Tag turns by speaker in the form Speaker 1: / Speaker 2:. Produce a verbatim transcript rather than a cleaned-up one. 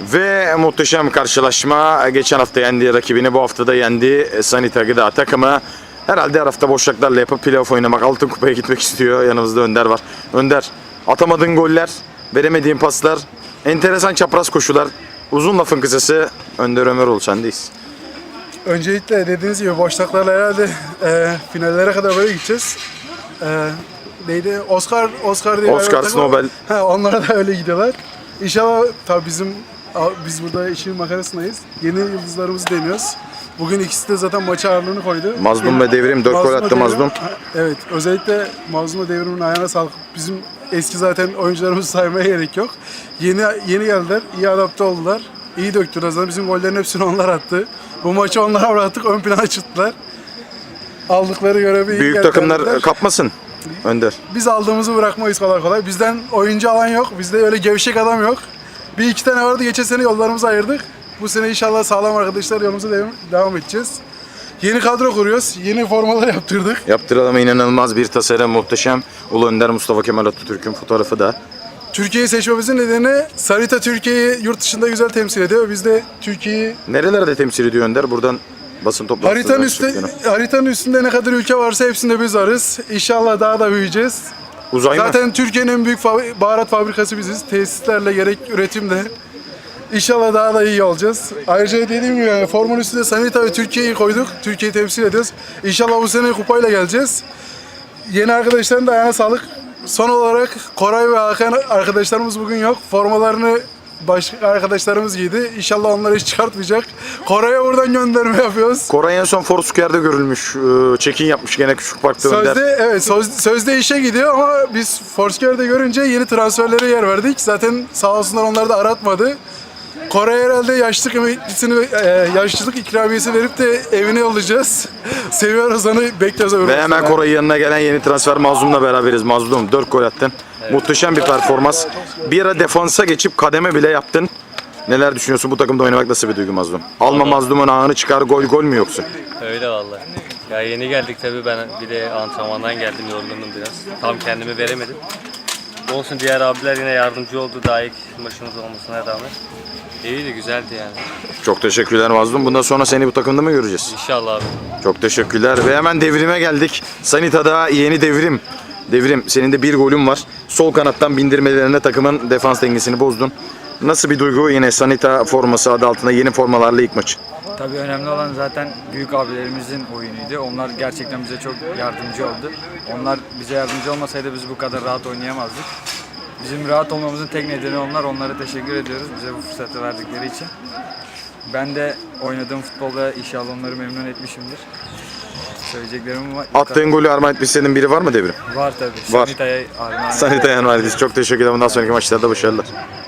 Speaker 1: Ve muhteşem karşılaşma. Geçen hafta yendiği rakibini bu hafta da yendi. Sanita Gıda takımı. Herhalde her hafta boşluklarla yapıp playoff oynamak, altın kupaya gitmek istiyor. Yanımızda Önder var. Önder, atamadığın goller, veremediğin paslar, enteresan çapraz koşular. Uzun lafın kısası Önder Ömeroğlu, sendeyiz.
Speaker 2: Öncelikle dediğiniz gibi boşluklarla herhalde e, finallere kadar böyle gideceğiz. E, neydi? Oscar, Oscar diye
Speaker 1: Oscar, Nobel.
Speaker 2: He, onlara da öyle gidiyorlar. İnşallah tabii bizim biz burada işin makarasındayız. Yeni yıldızlarımızı deniyoruz. Bugün ikisi de zaten maça ağırlığını koydu.
Speaker 1: Mazlum ve Devrim dört gol attı Mazlum.
Speaker 2: Evet, özellikle Mazlum ve Devrim'in ayağına sağlık. Bizim eski zaten oyuncularımızı saymaya gerek yok. Yeni yeni geldiler, iyi adapte oldular. İyi döktüler. Zaten bizim gollerin hepsini onlar attı. Bu maçı onlara bıraktık, ön plana çıktılar. Aldıkları görevi
Speaker 1: Büyük takımlar verdiler. Kapmasın Önder.
Speaker 2: Biz aldığımızı bırakmayız kolay kolay. Bizden oyuncu alan yok. Bizde öyle gevşek adam yok. Bir iki tane vardı. Geçen sene yollarımızı ayırdık. Bu sene inşallah sağlam arkadaşlar yolumuza devam, devam edeceğiz. Yeni kadro kuruyoruz. Yeni formalar yaptırdık.
Speaker 1: Yaptıralım, inanılmaz bir tasarım, muhteşem. Ulu Önder Mustafa Kemal Atatürk'ün fotoğrafı da.
Speaker 2: Türkiye'yi seçmemizin nedeni Sarita Türkiye'yi yurt dışında güzel temsil ediyor. Biz de Türkiye'yi
Speaker 1: nerelerde temsil ediyor Önder? Buradan basın toplantısı.
Speaker 2: Haritanın, üstte, haritanın üstünde ne kadar ülke varsa hepsinde biz varız. İnşallah daha da büyüyeceğiz.
Speaker 1: Uzay
Speaker 2: Zaten
Speaker 1: mı?
Speaker 2: Türkiye'nin en büyük baharat fabrikası biziz. Tesislerle gerek üretimde. İnşallah daha da iyi olacağız. Ayrıca dediğim gibi yani formun üstünde Sanita ve Türkiye'yi koyduk. Türkiye'yi temsil ediyoruz. İnşallah bu sene kupayla geleceğiz. Yeni arkadaşların da ayağına sağlık. Son olarak Koray ve Hakan arkadaşlarımız bugün yok. Formalarını başka arkadaşlarımız giydi. İnşallah onları hiç çıkartmayacak. Koray'a buradan gönderme yapıyoruz.
Speaker 1: Koray en son Foursquare'de görülmüş. Check-in yapmış gene küçük parkta Önder.
Speaker 2: Sözde, evet söz, sözde işe gidiyor ama biz Foursquare'de görünce yeni transferlere yer verdik. Zaten sağ olsunlar onlar da aratmadı. Koray herhalde yaşlılık emeklisini, e, yaşlılık ikramiyesi verip de evine yollayacağız. Seviyoruz onu, bekliyoruz.
Speaker 1: Ve hemen Koray'ın yanına gelen yeni transfer Mazlum'la beraberiz. Mazlum dört gol attın. Evet. Muhteşem bir performans. Bir ara defansa geçip kademe bile yaptın. Neler düşünüyorsun, bu takımda oynamak nasıl bir duygu Mazlum? Alma Mazlum'un ağını çıkar, gol gol mü yoksa?
Speaker 3: Öyle vallahi. Ya yeni geldik tabii, ben bir de antrenmandan geldim, yorgundum biraz. Tam kendimi veremedim. Olsun, diğer abiler yine yardımcı oldu daha ilk maçımız olmasına rağmen. İyiydi, güzeldi yani.
Speaker 1: Çok teşekkürler Mazlum. Bundan sonra seni bu takımda mı göreceğiz?
Speaker 3: İnşallah abi.
Speaker 1: Çok teşekkürler. Ve hemen Devrim'e geldik. Sanita'da yeni Devrim. Devrim, senin de bir golün var. Sol kanattan bindirmelerine takımın defans dengesini bozdun. Nasıl bir duygu yine Sanita forması adı altında yeni formalarla ilk maçı?
Speaker 4: Tabii önemli olan zaten büyük abilerimizin oyunuydu. Onlar gerçekten bize çok yardımcı oldu. Onlar bize yardımcı olmasaydı biz bu kadar rahat oynayamazdık. Bizim rahat olmamızın tek nedeni onlar. Onlara teşekkür ediyoruz bize bu fırsatı verdikleri için. Ben de oynadığım futbolda inşallah onları memnun etmişimdir. Söyleyeceklerim var.
Speaker 1: Attığın golü armağan etmiş senin biri var mı Devrim?
Speaker 4: Var tabii.
Speaker 1: Var.
Speaker 4: Sanita'ya armağan.
Speaker 1: Sanita'ya armağan etmiş. Çok teşekkürler. Bundan sonraki maçlarda başarılar.